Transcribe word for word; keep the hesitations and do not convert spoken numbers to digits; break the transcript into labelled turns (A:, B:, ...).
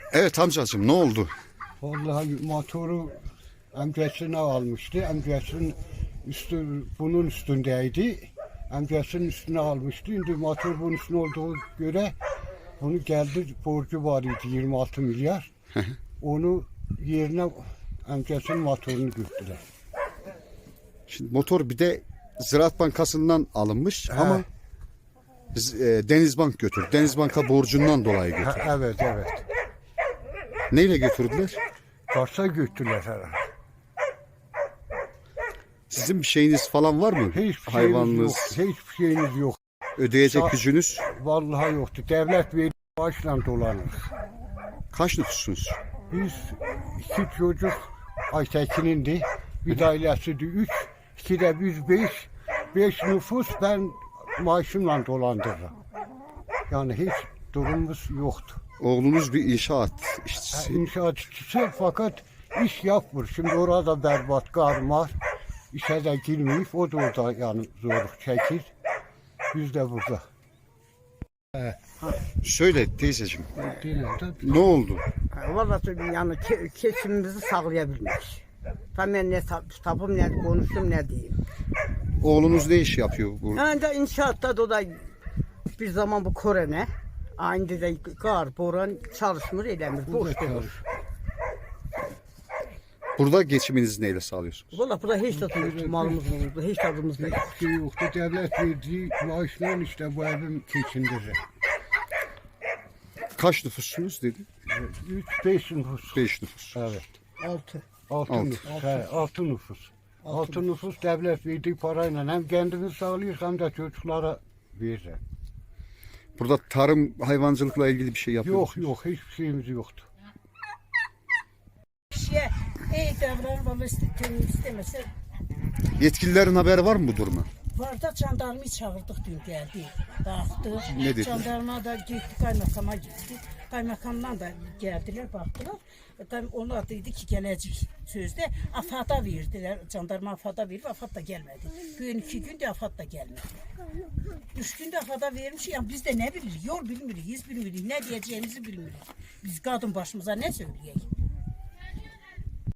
A: Evet amcacığım, ne oldu?
B: Vallahi motoru amcasına almıştı. Amcasının üstü bunun üstündeydi. Amcasının üstüne almıştı. Şimdi motor bunun üstüne olduğu göre bunu geldi, borcu var idi yirmi altı milyar. Onu yerine amcasının motorunu götürdüler.
A: Şimdi motor bir de Ziraat Bankası'ndan alınmış ama biz, e, Denizbank götürdü. Denizbank'a borcundan dolayı
B: Ha,
A: götürdü.
B: evet evet.
A: Neyle götürdüler?
B: Karsa götürdüler herhalde.
A: Sizin bir şeyiniz falan var mı?
B: Hiçbir şeyimiz
A: Hayvanınız,
B: yok. Hiçbir şeyimiz yok.
A: ödeyecek
B: Sa-
A: gücünüz.
B: Vallahi yoktu. Devlet verdiği maaşla dolanır.
A: Kaç nüfusunuz?
B: Biz iki çocuk Aytekin'in de bir de ailesi de üç, iki de biz beş, beş nüfus ben maaşımla dolandırırım. Yani hiç durumumuz yoktu.
A: Oğlunuz bir inşaat
B: Ha,
A: işçisi.
B: İnşaat işçisi fakat iş yapmıyor. Şimdi orada berbat karmar. İşe de girmeyip o da orada yani zorluk çekir. Biz de burada.
A: Söyle teyzeciğim,
B: Dinle de
A: ne oldu?
C: Vallahi yani ke keçimimizi sağlayabilmiş. Tam ben ne tapım ne konuştum ne diyeyim.
A: Oğlunuz ne iş yapıyor bu?
C: Yani de inşaatta da, o da bir zaman bu korona. Aynı de kar, boran çalışmır edemir. Boş
B: burada
C: durur.
B: çalışır.
A: Burada geçiminizi neyle sağlıyorsunuz?
C: Vallahi burada hiç tadımız, malımız olurdu, hiç tadımız yok.
B: Hiçbir şey yoktu. Devlet verdiği maaşla işte bu evim geçindirir.
A: Kaç nüfussunuz dedi?
B: Üç, beş nüfus.
A: Beş nüfus.
B: Evet.
C: Altı.
B: Altı,
A: Altı.
B: nüfus. He, altı nüfus. Altı, nüfus devlet verdiği parayla hem kendimiz sağlıyor hem de çocuklara verir.
A: Burada tarım, hayvancılıkla ilgili bir şey yapıyor
B: Yok
A: musunuz?
B: yok hiçbir şeyimiz yoktu.
D: Şey, iyi davran bana istemese
A: Yetkililerin haberi var mı bu duruma?
D: var da jandarmayı çağırdık dün geldi. Baktı.
A: Ne dedi?
D: Jandarma da gitti, kaymakama gitti. Kaymakamdan da geldiler, baktılar. E, tabii onlar dedi ki gelecek sözde. AFAD'a verdiler. Jandarma AFAD'a verip AFAD da gelmedi. Bugün iki gün de AFAD da gelmedi. Üç günde AFAD'a vermiş. Yani biz de ne biliriz? Yol bilmiyoruz, bilmiyoruz. Ne diyeceğimizi bilmiyoruz. Biz kadın başımıza ne söyleyeyim?